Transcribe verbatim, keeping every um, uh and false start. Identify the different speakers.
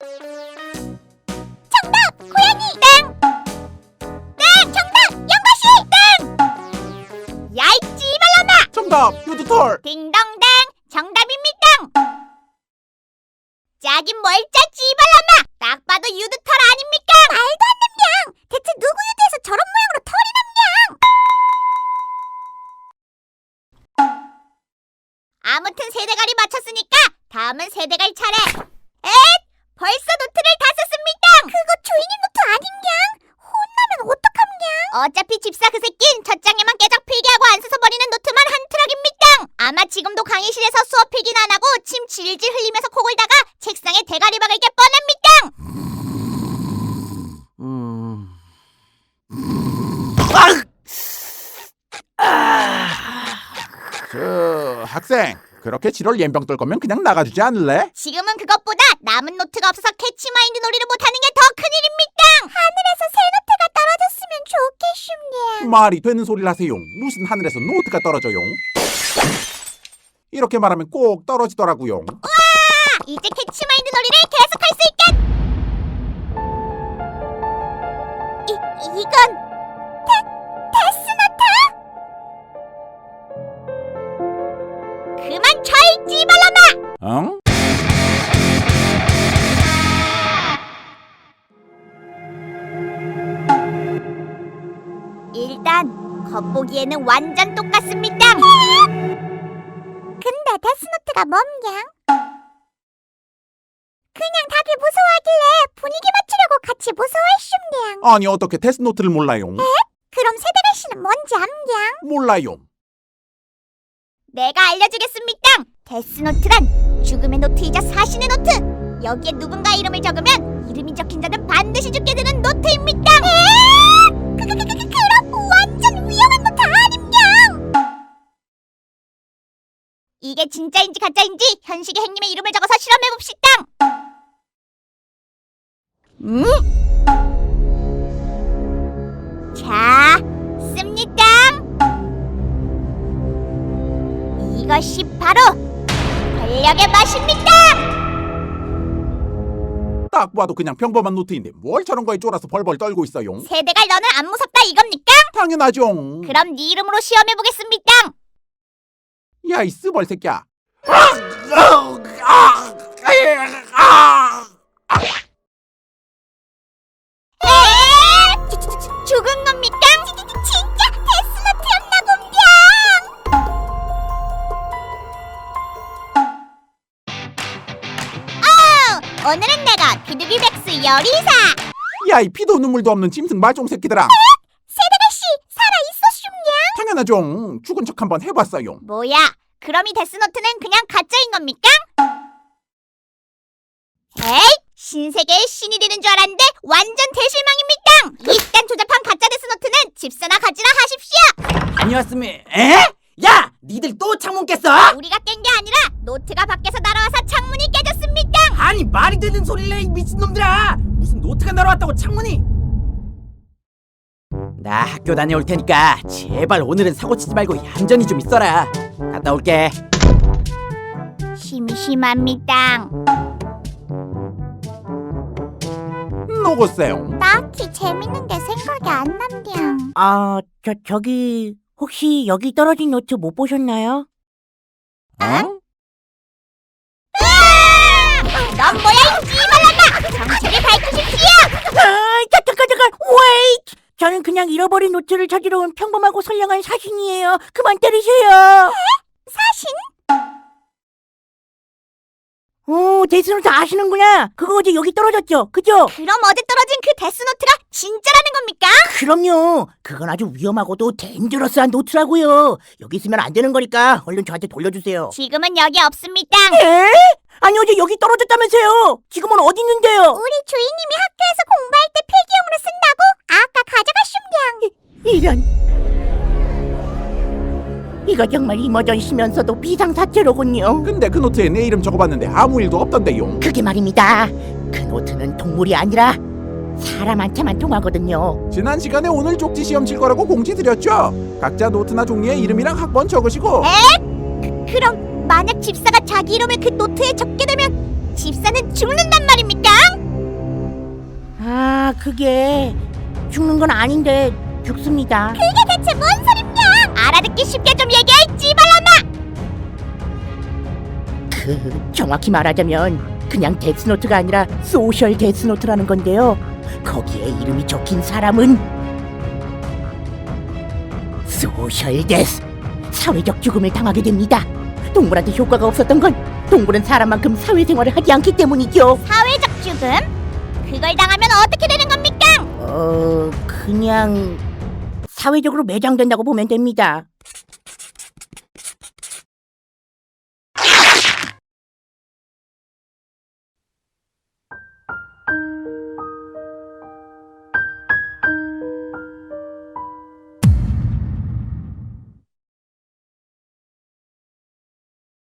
Speaker 1: 정답! 고양이! 땡! 땡! 정답! 연가시! 땡! 야이 찌발라마!
Speaker 2: 정답! 유두털!
Speaker 1: 딩동댕! 정답입니다! 짜긴 뭘 짜, 찌발라마! 딱 봐도 유두털 아닙니까? 말도 안 됩냥! 대체 누구 유두에서 저런 모양으로 털이 남냥! 아무튼 세대갈이 맞췄으니까 다음은 세대갈 차례! 엣! 벌써 노트를 다 썼습니다! 그거 주인님 노트 아닌냥? 혼나면 어떡함냥? 어차피 집사 그 새낀 첫 장에만 깨작 필기하고 안 써서 버리는 노트만 한 트럭입니다! 아마 지금도 강의실에서 수업 필기는 안 하고 침 질질 흘리면서 코 골다가 책상에 대가리 박을 게 뻔합니다!
Speaker 2: 음... 아... 저... 학생! 그렇게 지롤 연병 떨 거면 그냥 나가주지 않을래?
Speaker 1: 지금은 그것보다 남은 노트가 없어서 캐치마인드 놀이를 못하는 게 더 큰일입니다! 하늘에서 새 노트가 떨어졌으면 좋겠습니다.
Speaker 2: 말이 되는 소리를 하세요. 무슨 하늘에서 노트가 떨어져요? 이렇게 말하면 꼭 떨어지더라고요.
Speaker 1: 우와! 이제 캐치마인드 놀이를 계속할 수 있겠! 이, 이건 데, 데스노트? 그만 쳐, 이 찌발라마!
Speaker 2: 응?
Speaker 1: 일단 겉보기에는 완전 똑같습니다. 근데 데스노트가 뭡냥? 그냥 다들 무서워하길래 분위기 맞추려고 같이 무서워했슘냥.
Speaker 2: 아니 어떻게 데스노트를 몰라요?
Speaker 1: 그럼 세대갈씨는 뭔지 암냥?
Speaker 2: 몰라요.
Speaker 1: 내가 알려주겠습니다. 데스노트란 죽음의 노트이자 사신의 노트. 여기에 누군가 이름을 적으면 이름이 적힌 자는 반드시 죽게 되는 노트입니다. 그, 그, 그, 그, 그, 그럼 완전 위험한 노트 아님냥? 이게 진짜인지 가짜인지 현식의 행님의 이름을 적어서 실험해봅시다. 음? 자, 씁니다. 이것이 바로 권력의 맛입니다.
Speaker 2: 딱 봐도 그냥 평범한 노트인데 뭘 저런 거에 쫄아서 벌벌 떨고 있어요?
Speaker 1: 세대갈 너는 안 무섭다 이겁니까?
Speaker 2: 당연하죠.
Speaker 1: 그럼 네 이름으로 시험해보겠습니다.
Speaker 2: 야 이 쓰벌 새끼야.
Speaker 1: 에이! 주, 주, 주, 죽은 겁니까? 진짜 데스노트였나 본병! 어! 오늘은 내가 비둘기백스 요리사!
Speaker 2: 야 이 피도 눈물도 없는 짐승 말종 새끼들아.
Speaker 1: 세대갈씨 살아있었슈냐?
Speaker 2: 당연하죠. 죽은 척 한번 해봤어요.
Speaker 1: 뭐야? 그럼 이 데스노트는 그냥 가짜인 겁니까? 에이! 신세계의 신이 되는 줄 알았는데 완전 대실망입니다! 이딴 조잡한 가짜 데스노트는 집사나 가지라 하십시오!
Speaker 3: 다녀왔으면 에? 야! 니들 또 창문 깼어?
Speaker 1: 우리가 깬 게 아니라 노트가 밖에서 날아와서 창문이 깨졌습니다!
Speaker 3: 아니 말이 되는 소리를 해 이 미친놈들아! 무슨 노트가 날아왔다고 창문이? 나 학교 다녀올 테니까 제발 오늘은 사고치지 말고 얌전히 좀 있어라. 갔다 올게.
Speaker 1: 심심합니다.
Speaker 2: 녹으세요.
Speaker 1: 딱히 재밌는 게 생각이 안 남냥.
Speaker 4: 아, 저, 저기, 혹시 여기 떨어진 노트 못 보셨나요?
Speaker 2: 어?
Speaker 1: 넌 뭐야 이 찌발라마! 정체를 밝히십시오!
Speaker 4: 아, 잠깐, 잠깐, wait! 저는 그냥 잃어버린 노트를 찾으러 온 평범하고 선량한 사신이에요. 그만 때리세요.
Speaker 1: 사신?
Speaker 4: 오, 데스노트 아시는구나. 그거 어제 여기 떨어졌죠? 그죠?
Speaker 1: 그럼 어제 떨어진 그 데스노트가 진짜라는 겁니까?
Speaker 4: 그럼요. 그건 아주 위험하고도 데인저러스한 노트라고요. 여기 있으면 안 되는 거니까 얼른 저한테 돌려주세요.
Speaker 1: 지금은 여기 없습니다.
Speaker 4: 에? 아니 어제 여기 떨어졌다면서요. 지금은 어디 있는데요?
Speaker 1: 우리 주인님이 학교에서 공부할 때 필기용으로 쓴다고 아까 가져가슌냥.
Speaker 4: 이런. 이거 정말 이머전시면서도 비상사태로군요.
Speaker 2: 근데 그 노트에 내 이름 적어봤는데 아무 일도 없던데요.
Speaker 4: 그게 말입니다. 그 노트는 동물이 아니라 사람한테만 통하거든요.
Speaker 2: 지난 시간에 오늘 쪽지 시험 칠 거라고 공지 드렸죠? 각자 노트나 종이에 이름이랑 학번 적으시고.
Speaker 1: 에? 그럼 만약 집사가 자기 이름을 그 노트에 적게 되면 집사는 죽는단 말입니까?
Speaker 4: 아, 그게 죽는 건 아닌데 죽습니다.
Speaker 1: 그게 대체 뭔 소린냐? 알아듣기 쉽게 좀 얘기해, 찌발라마!
Speaker 4: 그 정확히 말하자면 그냥 데스노트가 아니라 소셜 데스노트라는 건데요. 거기에 이름이 적힌 사람은 소셜 데스, 사회적 죽음을 당하게 됩니다. 동물한테 효과가 없었던 건 동물은 사람만큼 사회생활을 하지 않기 때문이죠.
Speaker 1: 사회적 죽음? 그걸 당하면 어떻게 되는 겁니까?
Speaker 4: 어, 그냥 사회적으로 매장된다고 보면 됩니다.